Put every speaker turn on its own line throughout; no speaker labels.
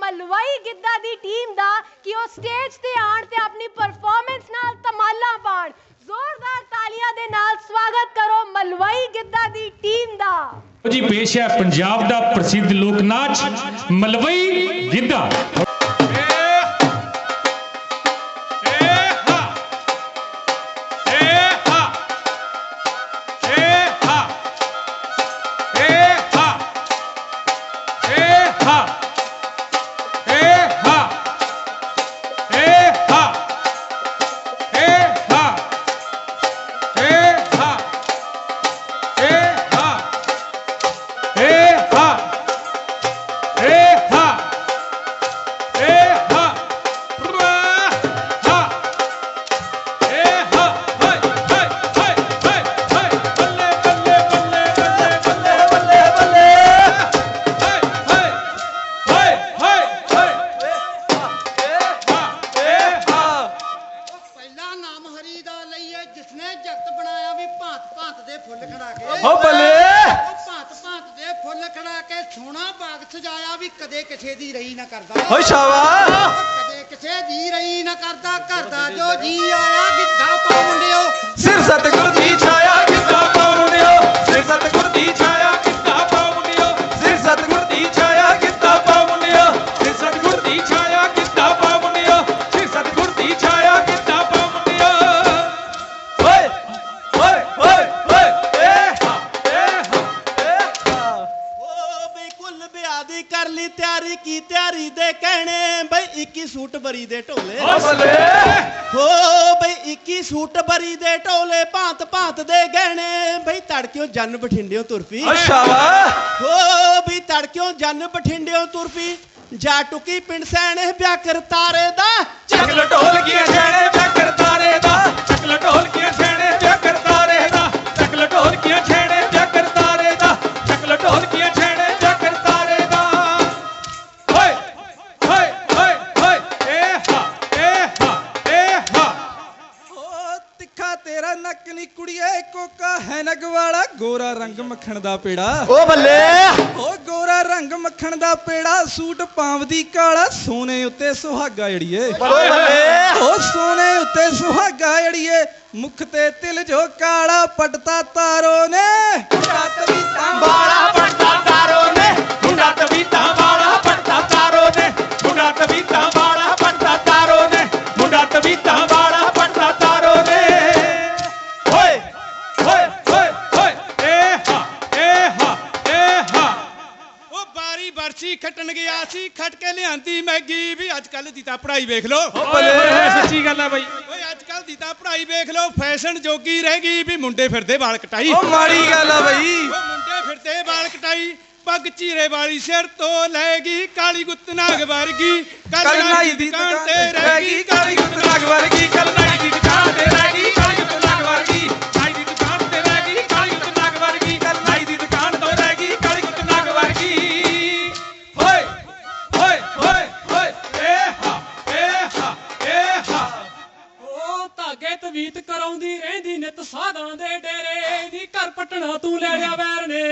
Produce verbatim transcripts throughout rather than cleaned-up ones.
ਮਲਵਈ ਗਿੱਧਾ ਦੀ ਟੀਮ ਦਾ ਕਿ ਉਹ ਸਟੇਜ ਤੇ ਆਣ ਤੇ ਆਪਣੀ ਪਰਫਾਰਮੈਂਸ ਨਾਲ ਧਮਾਲਾ ਪਾਣ। ਜ਼ੋਰਦਾਰ ਤਾਲੀਆਂ ਦੇ ਨਾਲ ਸਵਾਗਤ ਕਰੋ ਮਲਵਈ ਗਿੱਧਾ ਦੀ ਟੀਮ ਦਾ।
जी पेश है पंजाब का प्रसिद्ध लोक नाच मलवई गिद्धा।
सजाया भी कदे किसे दी रही ना करदा
हो शाबाश
कदे किसे दी रही ना करदा करदा जो जी आया गिद्धा पाओ मुंडियो
सिर सतगुर दी छाया गिद्धा पाओ मुंडियो सिर सतगुर दी छाया गिद्धा पाओ मुंडियो सिर सतगुर दी छाया गिद्धा पाओ मुंडियो सिर सतगुर दी छाया गिद्धा पाओ मुंडियो सिर सतगुर दी छाया गिद्धा पाओ मुंडियो ओए ओए ओए ओए ए हा ए हा ए हा
ओ बई कुल ब्याह दी कर ली तैयारी की तैयारी दे कहने बई इक्की सूट बरी दे ढोले हो बई इक्की सूट बरी दे ढोले भांत भांत दे गहने बई तड़क्यों जन बठिंडियों तुरपी हो बई तड़क्यों जन बठिंडियों तुरपी जा टुकी पिंड सैने ब्याह कर तारे दा
चकल ढोल की छेड़े ब्याह कर तारे दा चकल ढोल की छेड़े ब्याह कर तारे दा चकल ढोल की छेड़े ब्याह कर तारे दा चकल ढोल की छेड़े ब्याह कर तारे दा ओए ओए ओए ओए ए हा ए हा ए हा
ओ तिखा तेरा नक नी कुड़िए कोका है नग वाला गोरा रंग मक्खन दा पेड़ा
ओ बल्ले
ओ गोरा रंग मक्खन दा पेड़ा सूट पावदी काला सोने उत्ते सुहागा जड़िए
बल्ले बल्ले
ओ सोने उत्ते सुहागा जड़िए मुख ते तिल जो काला पटता तारो ने मुंडा तबीता
बाड़ा पड़ता तारो ने मुंडा तबीता बाड़ा पड़ता तारो ने मुंडा तबीता बाड़ा पड़ता तारो ने मुंडा तबीता बाड़ा पड़ता तारो ने ओए ओए ओए ओए ए हा ए हा ए हा
ओ बारी बरसी खटन गया सी खट के लियांदी मैगी भी अजकल दी ता पढ़ाई वेख लो
सच्ची गल है भाई।
ओए अजकल दी ता पढ़ाई वेख लो फैशन जोगी रहेगी भी मुंडे फिरदे वाल कटाई
ओ माड़ी गल है भाई
ओ मुंडे फिरदे वाल कटाई पग चीरे वाली सिर तो लेगी काली गुत्त नाग वर्गी
कल नाई दी दुकान ते रहेगी काली गुत्त नाग वर्गी कल नाई दी दुकान ते रहेगी काली गुत्त नाग वर्गी नाई दी दुकान ते रहेगी काली गुत्त नाग वर्गी कल नाई दी दुकान तो रहेगी काली गुत्त नाग वर्गी ओए ओए ओए ओए ए हा ए हा ए हा
ओ धागे तवीत कराउंदी रहंदी नित साधां दे डेरे दी घर पटना तू ले लिया वैर ने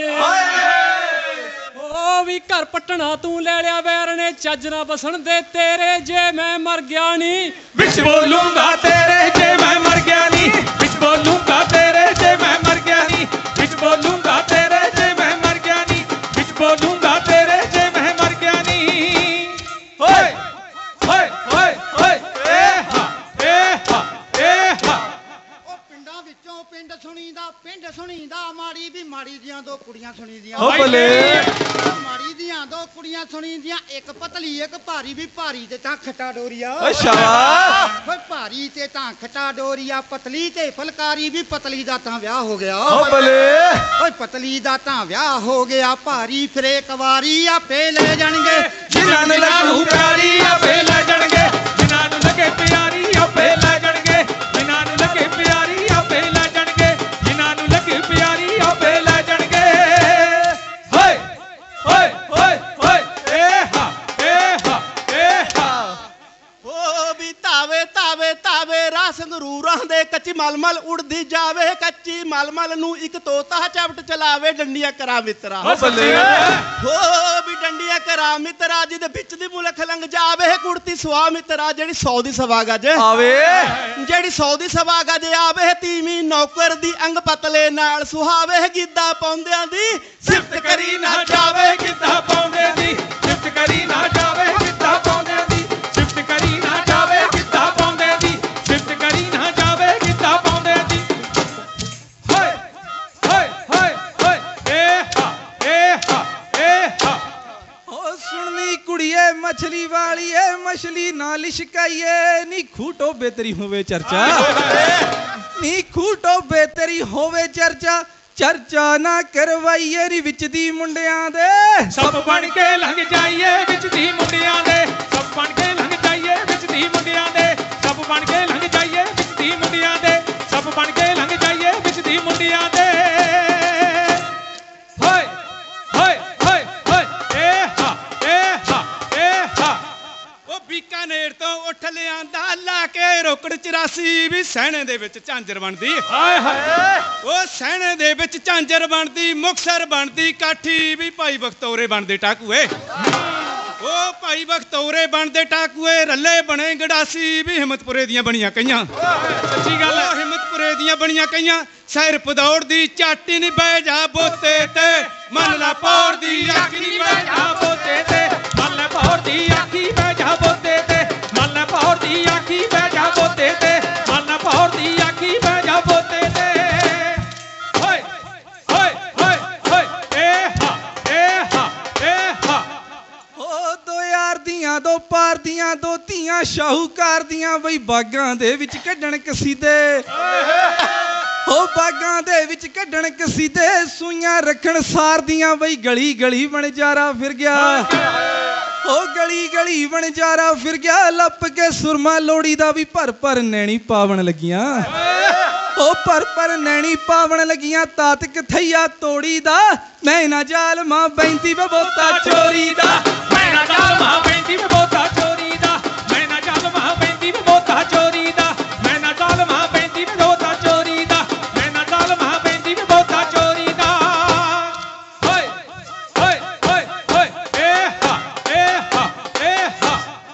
ओ भी घर पटना तू ले लिया वैर ने चज ना बसन दे तेरे जे मैं मर गया नी
बिच बोलूंगा तेरे जे मैं मर गया नी बिच बोलूंगा तेरे जे मैं मर गया नी बिच बोलूंगा तेरे जे मैं मर गया नी बिच बोलूंगा तेरे जे मैं मर गया नी ओए ओए ओए ओए ए हा ए हा ए हा
ਉਹ ਪਿੰਡਾਂ ਵਿੱਚੋਂ ਪਿੰਡ ਸੁਣੀਦਾ ਪਿੰਡ ਸੁਣੀਦਾ ਮਾੜੀ ਵੀ ਮਾੜੀ ਦੀਆਂ ਦੋ ਕੁੜੀਆਂ ਸੁਣੀਦੀਆਂ
ਓ ਬੱਲੇ
ਮਾੜੀ ਦੀਆਂ ਦੋ ਕੁੜੀਆਂ ਸੁਣੀਦੀਆਂ ਇੱਕ ਪਤਲੀ ਇੱਕ ਭਾਰੀ ਵੀ ਭਾਰੀ ਤੇ ਤਾਂ ਖੱਟਾ ਡੋਰੀਆ
ਓ ਸ਼ਾਬਾਸ਼
ਓਏ ਭਾਰੀ ਤੇ ਤਾਂ ਖੱਟਾ ਡੋਰੀਆ ਪਤਲੀ ਤੇ ਫਲਕਾਰੀ ਵੀ ਪਤਲੀ ਦਾ ਤਾਂ ਵਿਆਹ ਹੋ ਗਿਆ
ਓ ਬੱਲੇ
ਓਏ ਪਤਲੀ ਦਾ ਤਾਂ ਵਿਆਹ ਹੋ ਗਿਆ ਭਾਰੀ ਫਿਰੇ ਕਵਾਰੀ ਆਪੇ ਲੈ ਜਾਣਗੇ
ਜਿਨ੍ਹਾਂ ਨੂੰ ਲਾਹੂ ਪਿਆਰੀ ਆਪੇ ਲੈ ਜਾਣਗੇ ਜਿਨ੍ਹਾਂ ਨੂੰ ਲੱਗੇ ਪਿਆਰੀ ਆਪੇ ਲੈ ਜਾਣਗੇ ਜਿਨ੍ਹਾਂ ਨੂੰ ਲੱਗੇ ਪਿਆਰੀ ਆਪੇ ਲੈ ਜਾਣਗੇ ਜਿਨ੍ਹਾਂ ਨੂੰ ਲੱਗੇ ਪਿਆਰੀ ਆਪੇ ਲੈ ਜਾਣਗੇ ਓਏ ਓਏ ਓਏ ਓਏ ਏ ਹਾ ਏ ਹਾ ਏ ਹਾ
ओ भी तावे तावे तावे राह ਸੰਗਰੂਰਾਂ ਦੇ ਕੱਚੀ ਮਲਮਲ ਉੜਦੀ ਜਾਵੇ ਕੱਚੀ ਮਲਮਲ ਨੂੰ ਇੱਕ ਤੋਤਾ ਚਪਟ ਚਲਾਵੇ ਡੰਡੀਆਂ ਕਰਾ ਮਿੱਤਰਾ
ਓ ਬੱਲੇ
ਹੋ ਵੀ ਡੰਡੀਆਂ ਕਰਾ ਮਿੱਤਰਾ ਜਿਹਦੇ ਵਿੱਚ ਦੀ ਮੁਲਕ ਲੰਘ ਜਾਵੇ ਕੁੜਤੀ ਸਵਾ ਮਿੱਤਰਾ ਜਿਹੜੀ ਸੌ ਦੀ ਸਵਾ ਗੱਜ
ਆਵੇ
ਜਿਹੜੀ ਸੌ ਦੀ ਸਵਾ ਗੱਜ ਆਵੇ ਤੀਵੀਂ ਨੌਕਰ ਦੀ ਅੰਗ ਪਤਲੇ ਨਾਲ ਸੁਹਾਵੇ ਗਿੱਧਾ ਪਾਉਂਦਿਆਂ ਦੀ ਸਿਫਤ ਕਰੀ ਨਾ
ਜਾਵੇ ਕਿੱਦਾਂ ਪਾਉਂਦੇ ਦੀ ਸਿਫਤ ਕਰੀ ਨਾ ਜਾਵੇ ਕਿੱਦਾਂ ਪਾਉਂਦੇ ਦੀ ਸਿਫਤ ਕਰੀ ਨਾ ਜਾਵੇ ਕਿੱਦਾਂ ਪਾਉਂਦੇ ਦੀ ਸਿਫਤ ਕਰੀ ਨਾ ਜਾਵੇ ਕਿੱਦਾਂ ਪਾਉਂਦੇ ਦੀ ਹਾਏ ਹਾਏ ਹਾਏ ਹਾਏ ਏ ਹਾ ਏ ਹਾ ਏ ਹਾ
ਓ ਸੁਣਨੀ ਕੁੜੀਏ ਮਛਲੀ ਵਾਲੀਏ ਮਛਲੀ ਨਾ ਲਿਸ਼ਕਾਈਏ ਨੀ ਖੂਟੋ ਬੇਤਰੀ ਹੋਵੇ ਚਰਚਾ ਨੀ ਖੂਟੋ ਬੇਤਰੀ ਹੋਵੇ ਚਰਚਾ ਚਰਚਾ ਨਾ ਕਰਵਾਈਏ ਨੀ ਵਿੱਚ ਦੀ ਮੁੰਡਿਆਂ ਦੇ
ਸਭ ਬਣ ਕੇ ਲੰਘ ਜਾਈਏ ਵਿੱਚ ਦੀ ਮੁੰਡਿਆਂ ਦੇ ਸਭ ਬਣ ਕੇ ਲੰਘ ਜਾਈਏ ਵਿੱਚ ਦੀ ਮੁੰਡਿਆਂ ਦੇ ਸਭ ਬਣ ਕੇ ਲੰਘ ਜਾਈਏ ਵਿੱਚ ਦੀ ਮੁੰਡਿਆਂ ਦੇ ਸਭ ਬਣ ਕੇ ਲੰਘ ਜਾਈਏ ਵਿੱਚ ਦੀ ਮੁੰਡਿਆਂ ਦੇ ਹਾਏ ਹਾਏ ਹਾਏ ਹਾਏ ਏ ਹਾ ਏ ਹਾ ਏ ਹਾ
ਉਹ ਬੀਕਾਨੇਰ ਤੋਂ ਉੱਠ ਲਿਆਂਦਾ ਲਾ ਕੇ ਰੋਕੜ ਚੁਰਾਸੀ ਵੀ ਸਹਿਣੇ ਦੇ ਵਿੱਚ ਝਾਂਜਰ ਬਣਦੀ
ਹਾਏ ਹਾਏ
ਉਹ ਸਹਿਣੇ ਦੇ ਵਿੱਚ ਝਾਂਜਰ ਬਣਦੀ ਮੁਕਤਸਰ ਬਣਦੀ ਕਾਠੀ ਵੀ ਭਾਈ ਬਖਤੌਰੇ ਬਣਦੇ ਟਾਕੂਏ ਉਹ ਭਾਈ ਬਖਤੌਰੇ ਬਣਦੇ ਟਾਕੂਏ ਰੱਲੇ ਬਣੇ ਗੜਾਸੀ ਵੀ ਹਿੰਮਤਪੁਰੇ ਦੀਆਂ ਬਣੀਆਂ ਕਈਆਂ
ਸੱਚੀ ਗੱਲ ਹੈ
ਉਹ ਹਿੰਮਤਪੁਰੇ ਦੀਆਂ ਬਣੀਆਂ ਕਈਆਂ ਸੈਰ ਪਦੌੜ ਦੀ ਚਾਟੀ ਨਹੀਂ ਬਹਿ ਜਾ ਬੋਤੇ ਤੇ ਮੰਨ ਲਾ ਪੌੜ ਦੀ ਆਖੀ ਨਹੀਂ ਬਹਿ ਜਾ ਬੋਤੇ ਤੇ
ਮੰਨ ਲੈ ਪੌੜ ਦੀ ਆਖੀ ਬਹਿ ਜਾ ਬੋਤੇ ਤੇ ਮੰਨ ਲੈ ਪੌੜ ਦੀ ਆਖੀ ਬਹਿ ਜਾ ਬੋਤੇ ਤੇ ਮੰਨ ਲੈ ਪੌੜ ਦੀ ਆਖੀ ਬਹਿ ਜਾ ਬੋਤੇ ਤੇ ਹਾਏ ਹਾਏ ਹਾਏ ਹਾਏ ਏ ਹਾ ਏ ਹਾ ਏ ਹਾ
ਓ ਦੋ ਯਾਰ ਦੀਆਂ ਦੋ ਪਾਰ ਦੀਆਂ ਦੋ ਧੀਆਂ ਸ਼ਾਹੂਕਾਰ ਦੀਆਂ ਬਈ ਬਾਗਾਂ ਦੇ ਵਿੱਚ ਕੱਢਣ ਕਸੀਦੇ ਓ ਬਾਗਾਂ ਦੇ ਵਿੱਚ ਕੱਢਣ ਕਸੀਦੇ ਸੂਈਆਂ ਰੱਖਣ ਸਾਰ ਦੀਆਂ ਬਈ ਗਲੀ ਗਲੀ ਵਣਜਾਰਾ ਫਿਰ ਗਿਆ ਓ ਗਲੀ ਗਲੀ ਵਣਜਾਰਾ ਫਿਰ ਗਿਆ ਲੱਪ ਕੇ ਸੁਰਮਾ ਲੋੜੀ ਦਾ ਵੀ ਭਰ ਭਰ ਨੈਣੀ ਪਾਵਣ ਲੱਗੀਆਂ ਓ ਭਰ ਭਰ ਨੈਣੀ ਪਾਵਣ ਲੱਗੀਆਂ ਤਾਤ ਕਥਈਆ ਤੋੜੀ ਦਾ ਮੈਂ ਨਾ ਜ਼ਾਲਮਾਂ ਬੈਂਦੀ ਬਬੋਤਾ ਚੋਰੀ ਦਾ
ਮੈਂ ਨਾ ਜ਼ਾਲਮਾਂ ਬੈਂਦੀ ਬਬੋਤਾ ਚੋਰੀ ਦਾ ਮੈਂ ਨਾ ਜ਼ਾਲਮਾਂ ਬੈਂਦੀ ਬਬੋਤਾ ਚੋਰੀ ਦਾ ਮੈਂ ਨਾ ਜ਼ਾਲਮਾਂ ਬੈਂਦੀ ਬਬੋਤਾ ਚੋਰੀ ਦਾ ਮੈਂ ਨਾ ਜ਼ਾਲਮਾਂ ਬੈਂਦੀ ਬਬੋਤਾ ਚੋਰੀ ਦਾ ਹਾਏ ਹਾਏ ਹਾਏ ਹਾਏ ਏ ਹਾ ਏ ਹਾ ਏ ਹਾ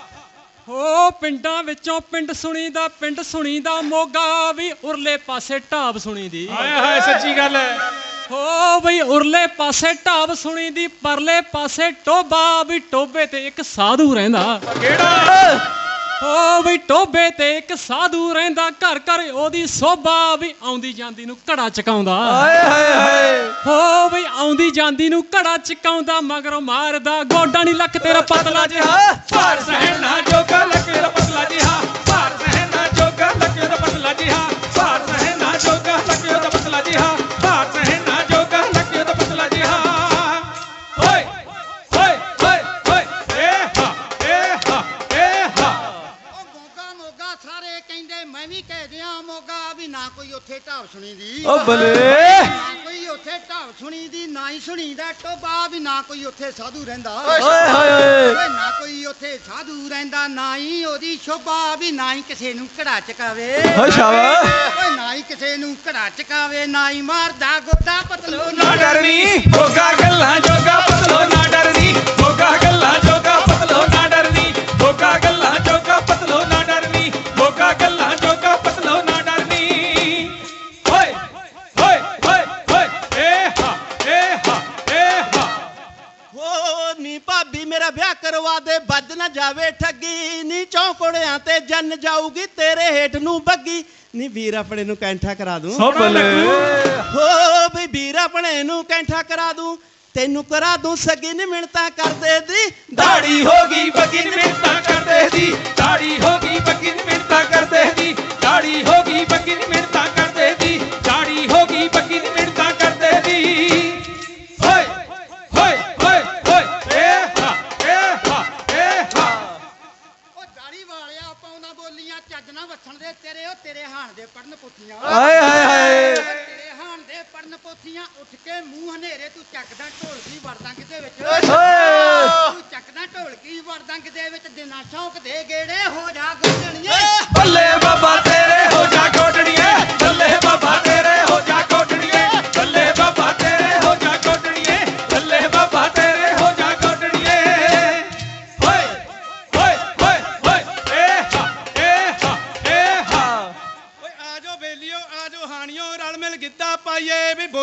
ਓ ਪਿੰਡਾਂ ਵਿੱਚੋਂ ਪਿੰਡ ਸੁਣੀਦਾ ਪਿੰਡ ਸੁਣੀਦਾ ਮੋਗਾ ਵੀ ਉਰਲੇ ਪਾਸੇ ਢਾਬ ਸੁਣੀਦੀ
ਹਾਏ ਹਾਏ ਸੱਚੀ ਗੱਲ ਹੈ
ਓ ਬਈ ਉਰਲੇ ਪਾਸੇ ਢਾਬ ਸੁਣੀਦੀ ਪਰਲੇ ਪਾਸੇ ਟੋਬਾ ਵੀ ਟੋਬੇ ਤੇ ਇੱਕ ਸਾਧੂ ਰਹਿੰਦਾ
ਕਿਹੜਾ
ਓ ਬਈ ਟੋਬੇ ਤੇ ਇੱਕ ਸਾਧੂ ਰਹਿੰਦਾ ਘਰ ਘਰ ਉਹਦੀ ਸੋਭਾ ਵੀ ਆਉਂਦੀ ਜਾਂਦੀ ਨੂੰ ਘੜਾ ਚਕਾਉਂਦਾ
ਹਾਏ ਹਾਏ ਹਾਏ
ਓ ਬਈ ਆਉਂਦੀ ਜਾਂਦੀ ਨੂੰ ਘੜਾ ਚਕਾਉਂਦਾ ਮਗਰੋਂ ਮਾਰਦਾ ਗੋਡਾ ਨਹੀਂ ਲੱਕ ਤੇਰਾ ਪਤਲਾ ਜਿਹਾ
ਭਾਰ ਸਹਿਣ ਨਾ ਜੋਗਾ ਲੱਕੇ ਦਾ ਪਤਲਾ ਜਿਹਾ ਭਾਰ ਸਹਿਣ ਨਾ ਜੋਗਾ ਲੱਕੇ ਦਾ ਪਤਲਾ ਜਿਹਾ ਭਾਰ ਸਹਿਣ ਨਾ ਜੋਗਾ ਲੱਕੇ ਦਾ ਪਤਲਾ ਜਿਹਾ ਭਾਰ ਸਹਿਣ ਨਾ ਜੋਗਾ ਲੱਕੇ ਦਾ ਪਤਲਾ ਜਿਹਾ ਓਏ ਓਏ ਓਏ ਓਏ ਏ ਹਾ ਏ ਹਾ ਏ ਹਾ
ਉਹ ਮੋਗਾ ਮੋਗਾ ਸਾਰੇ ਕਹਿੰਦੇ ਮੈਂ ਵੀ ਕਹਿ ਦਿਆਂ ਮੋਗਾ ਵੀ ਨਾ ਕੋਈ ਉੱਥੇ ਢਾਬ ਸੁਣੀ ਦੀ
ਓ ਬਲੇ
ਨਾ ਕੋਈ ਉੱਥੇ ਢਾਬ ਸੁਣੀ ਦੀ ਨਾ ਹੀ ਸੁਣੀਦਾ ਟੋਬਾ ਵੀ ਨਾ ਕੋਈ ਉੱਥੇ ਸਾਧੂ ਰਹਿੰਦਾ
ਓਏ ਹਾਏ ਹਾਏ
ਓਏ ਨਾ ਕੋਈ ਉੱਥੇ ਸਾਧੂ ਰਹਿੰਦਾ ਨਾ ਹੀ ਉਹਦੀ ਸ਼ੋਭਾ ਵੀ ਨਾ ਹੀ ਕਿਸੇ ਨੂੰ ਘੜਾ ਚਕਾਵੇ
ਓ ਸ਼ਾਬਾ
ਓਏ ਨਾ ਹੀ ਕਿਸੇ ਨੂੰ ਘੜਾ ਚਕਾਵੇ ਨਾ ਹੀ ਮਾਰਦਾ ਗੋਡਾ ਪਤਲੂ
ਨਾ ਡਰਨੀ ਮੋਗਾ ਗੱਲਾਂ ਜੋਗਾ ਪਤਲੋ ਨਾ ਡਰਨੀ ਮੋਗਾ ਗੱਲਾਂ ਜੋਗਾ ਪਤਲੋ ਨਾ ਡਰਨੀ ਮੋਗਾ ਗੱਲਾਂ ਜੋਗਾ ਪਤਲੋ ਨਾ ਡਰਨੀ ਮੋਗਾ ਗੱਲਾਂ ਜੋਗਾ ਪਤਲੋ ਨਾ ਡਰਨੀ ਓਏ ਓਏ ਓਏ ਓਏ ਏ ਹਾ ਏ ਹਾ ਏ ਹਾ
ਹੋ ਨੀ ਭਾਬੀ ਮੇਰਾ ਵਿਆਹ ਕਰਵਾ ਦੇ ਵੱਜ ਨਾ ਜਾਵੇ ਠੱਗੀ ਨੀ ਚੌਂਕੜਿਆਂ ਤੇ ਜੰਨ ਜਾਊਗੀ ਤੇਰੇ ਹੇਠ ਨੂੰ ਬੱਗੀ ਨੀ ਵੀਰ ਆਪਣੇ ਨੂੰ ਕੈਂਠਾ ਕਰਾ ਦੂੰ
ਓ ਬਲੇ
ਹੋ ਬਈ ਵੀਰ ਆਪਣੇ ਨੂੰ ਕੈਂਠਾ ਕਰਾ ਦੂੰ ਤੈਨੂੰ ਕਰਾ ਦੂੰ ਸਗੀ ਨੀ ਮਿੰਟਾਂ ਕਰਦੇ ਦੀ
ਦਾੜੀ ਹੋ ਗਈ ਬੱਗੀ ਨੀ ਮਿੰਟਾਂ ਕਰਦੇ ਦੀ ਦਾੜੀ ਹੋ ਗਈ ਬੱਗੀ ਨੀ ਮਿੰਟਾਂ ਕਰਦੇ ਦੀ ਦਾੜੀ ਹੋ ਗਈ ਬੱਗੀ ਨੀ ਮਿੰਟਾਂ ਕਰਦੇ ਦੀ ਦਾੜੀ ਹੋ ਗਈ ਬੱਗੀ ਨੀ ਮਿੰਟਾਂ ਕਰਦੇ ਦੀ ਓਏ ਓਏ ਓਏ ਓਏ ਏ ਹਾ ਏ ਹਾ ਏ ਹਾ
ਉਹ ਦਾੜੀ ਵਾਲਿਆ ਪਾਉਣਾ ਬੋਲੀਆਂ ਚੱਜ ਨਾ ਵਸਣ ਦੇ ਤੇਰੇ ਉਹ ਤੇਰੇ ਹਾਣ ਦੇ ਪੜਨ ਪੁੱਠੀਆਂ
ਹਾਏ ਹਾਏ ਹਾਏ
ਤੇਰੇ ਹਾਣ ਦੇ ਪੜਨ ਪੁੱਠੀਆਂ ਉੱਠ ਕੇ ਮੂੰਹ ਹਨੇਰੇ ਤੂੰ ਚੱਕਦਾ ਢੋਲਕੀ ਵਰਦਾਂ ਕਿਤੇ ਵਿੱਚ
ਓਏ
ਤੂੰ ਚੱਕਦਾ ਢੋਲਕੀ ਵਰਦਾਂ ਕਿਤੇ ਵਿੱਚ ਦਿਨਾਂ ਸ਼ੌਕ ਦੇ ਗੇੜੇ ਹੋ ਜਾ ਗੁੰਝਣੀਏ
ਬੱਲੇ ਬਾਬਾ ਤੇਰੇ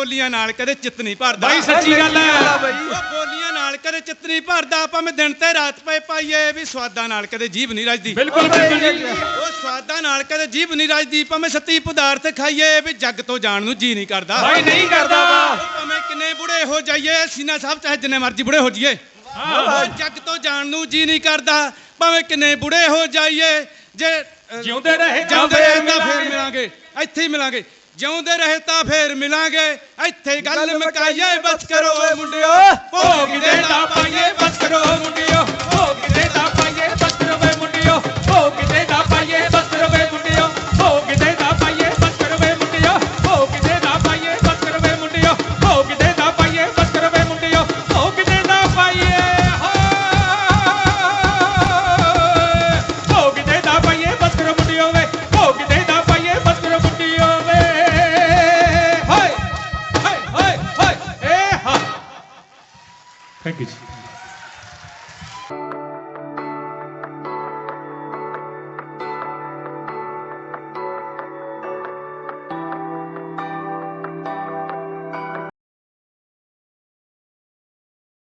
ਬੋਲੀਆਂ ਨਾਲ ਕਦੇ ਚਿੱਤ ਨਹੀਂ ਭਰਦਾ
ਬਾਈ ਸੱਚੀ ਗੱਲ ਹੈ
ਉਹ ਬੋਲੀਆਂ ਨਾਲ ਕਦੇ ਚਿੱਤ ਨਹੀਂ ਭਰਦਾ ਭਾਵੇਂ ਦਿਨ ਤੇ ਰਾਤ ਪਏ ਪਾਈਏ ਵੀ ਸਵਾਦਾਂ ਨਾਲ ਕਦੇ ਜੀਭ ਨਹੀਂ ਰਜਦੀ
ਬਿਲਕੁਲ ਬਿਲਕੁਲ ਜੀ
ਉਹ ਸਵਾਦਾਂ ਨਾਲ ਕਦੇ ਜੀਭ ਨਹੀਂ ਰਜਦੀ ਭਾਵੇਂ ਸੱਤੀ ਪਦਾਰਥ ਖਾਈਏ ਵੀ ਜੱਗ ਤੋਂ ਜਾਣ ਨੂੰ ਜੀ ਨਹੀਂ ਕਰਦਾ
ਬਾਈ ਨਹੀਂ ਕਰਦਾ ਵਾ
ਭਾਵੇਂ ਕਿੰਨੇ ਬੁੜੇ ਹੋ ਜਾਈਏ ਸੀਨਾ ਸਾਹਿਬ ਚਾਹੇ ਜਿੰਨੇ ਮਰਜ਼ੀ ਬੁੜੇ ਹੋ ਜਾਈਏ ਉਹ ਜੱਗ ਤੋਂ ਜਾਣ ਨੂੰ ਜੀ ਨਹੀਂ ਕਰਦਾ ਭਾਵੇਂ ਕਿੰਨੇ ਬੁੜੇ ਹੋ ਜਾਈਏ ਜੇ ਅ,
ਜਿਉਂਦੇ ਰਹੇ ਤਾਂ
ਜਿਉਂਦੇ
ਫੇਰ
ਰਹੇ ਤਾਂ ਫੇਰ
ਮਿਲਾਂਗੇ।
ਮਿਲਾਂਗੇ ਇੱਥੇ ਹੀ ਮਿਲਾਂਗੇ ਜਿਉਂਦੇ ਰਹੇ ਤਾਂ ਫੇਰ ਮਿਲਾਂਗੇ ਇੱਥੇ ਗੱਲ ਮੁਕਾਈਏ ਬਸ ਕਰੋ ਓਏ ਮੁੰਡਿਓ
ਭੋਗ ਦੇ ਦਾ ਪਾਈਏ ਬਸ ਕਰੋ ਮੁੰਡਿਓ ਭੋਗ ਦੇ ਦਾ ਪਾਈਏ ਬਸ ਕਰੋ ਵੇ ਮੁੰਡਿਓ ਭੋਗ ਦੇ ਦਾ ਪਾਈਏ ਬਸ ਕਰੋ ਵੇ ਮੁੰਡਿਓ ਭੋਗ ਦੇ ਦਾ ਪਾਈਏ ਬਸ ਕਰੋ ਵੇ ਮੁੰਡਿਓ ਭੋਗ ਦੇ ਦਾ ਪਾਈਏ ਬਸ ਕਰੋ ਵੇ ਮੁੰਡਿਓ ਭੋਗ ਦੇ ਦਾ ਪਾਈਏ ਬਸ ਕਰੋ ਵੇ ਮੁੰਡਿਓ ਭੋਗ ਦੇ ਦਾ ਪਾਈਏ ਭੋਗ ਦੇ ਦਾ ਪਾਈਏ ਬਸ ਕਰੋ ਮੁੰਡਿਓ ਵੇ ਭੋਗ ਦੇ ਦਾ ਪਾਈਏ ਬਸ ਕਰੋ ਮੁੰਡਿਓ ਵੇ ਹਾਏ ਹਾਏ ਹਾਏ ਹਾਏ ਏ ਹਾ ਥੈਂਕ ਯੂ ਜੀ